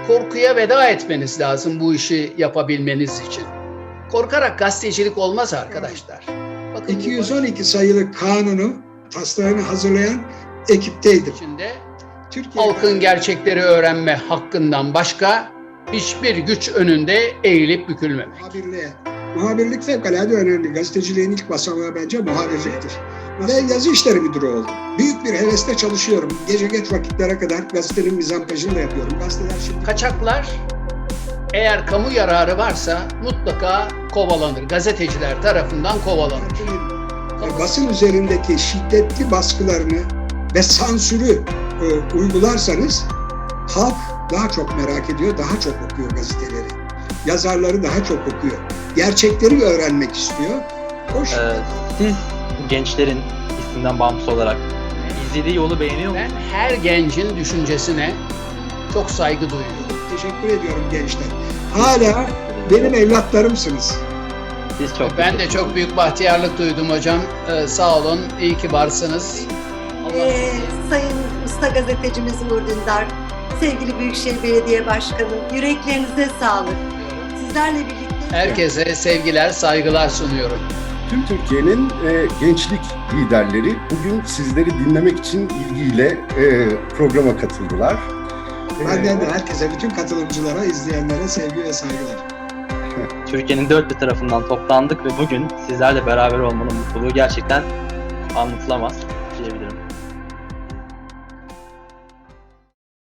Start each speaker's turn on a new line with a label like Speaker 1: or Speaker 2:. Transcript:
Speaker 1: korkuya veda etmeniz lazım bu işi yapabilmeniz için. Korkarak gazetecilik olmaz arkadaşlar. Bakın
Speaker 2: 212 sayılı kanunu, taslağını hazırlayan ekipteydim.
Speaker 1: içinde
Speaker 2: Türkiye
Speaker 1: halkın gerçekleri öğrenme hakkından başka hiçbir güç önünde eğilip bükülmemek.
Speaker 2: Muhabirlik fevkalade önemli. Gazeteciliğin ilk basamağı bence muhabirliktir. Ve yazı işleri müdürü oldum. Büyük bir hevesle çalışıyorum. Gece geç vakitlere kadar gazetenin mizampajını da yapıyorum. Gazeteler şimdi...
Speaker 1: Kaçaklar eğer kamu yararı varsa mutlaka kovalanır. Gazeteciler tarafından kovalanır.
Speaker 2: Basın üzerindeki şiddetli baskılarını ve sansürü uygularsanız halk daha çok merak ediyor, daha çok okuyor gazeteleri. Yazarları daha çok okuyor. Gerçekleri öğrenmek istiyor.
Speaker 3: Siz gençlerin isimden bağımsız olarak izlediği yolu beğeniyor musunuz?
Speaker 1: Ben her gencin düşüncesine çok saygı duyuyorum.
Speaker 2: Teşekkür ediyorum gençler. Hala benim evlatlarımsınız.
Speaker 3: Siz çok
Speaker 1: Ben de çok büyük bahtiyarlık duydum hocam. Sağ olun, iyi ki varsınız.
Speaker 4: Sayın Usta Gazetecimiz Uğur Dündar, sevgili Büyükşehir Belediye Başkanı, yüreklerinize sağlık. Sizlerle birlikte...
Speaker 1: Herkese sevgiler, saygılar sunuyorum.
Speaker 5: Tüm Türkiye'nin gençlik liderleri bugün sizleri dinlemek için ilgiyle programa katıldılar.
Speaker 2: Benden de herkese, bütün katılımcılara, izleyenlere sevgi ve saygılar.
Speaker 3: Türkiye'nin dört bir tarafından toplandık ve bugün sizlerle beraber olmanın mutluluğu gerçekten anlatılamaz.